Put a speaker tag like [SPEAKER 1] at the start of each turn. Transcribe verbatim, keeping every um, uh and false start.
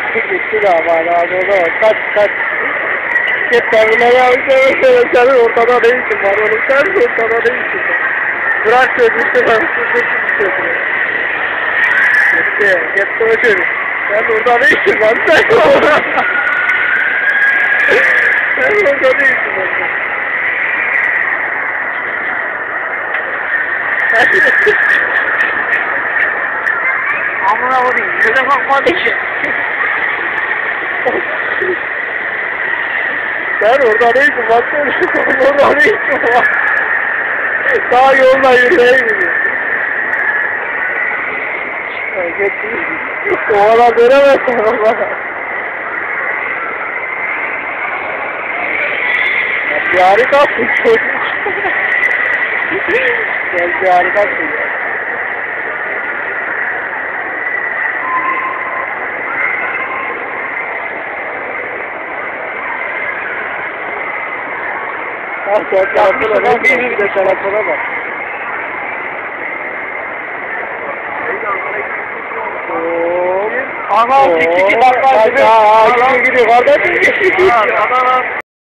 [SPEAKER 1] Gitti de ama lazım o zaman. Kaç kaç. Git terminale yavaş yavaş senin ortada ne işin var oğlum? Sen ortada ne işin var? Bırak sözlükte ben sözlükte Gitti. Gitti o çocuk. Sen orada ne işin var? Sen orada. Sen orada ne işin var?
[SPEAKER 2] Amına koyayım. Yüze bakmadı ki.
[SPEAKER 1] Sen orada ne işin var? Sen orada ne işin var? Daha yolda yürüyeyim mi? Oğlan veremezsin oğlan. Bir harikasın çocuk. Sen bir harikasın ya. Ah sen tarafına bak, bir de tarafına bak. Ooo.
[SPEAKER 2] Ana iki iki bak.
[SPEAKER 1] Aa, iki gidiyor kardeşim.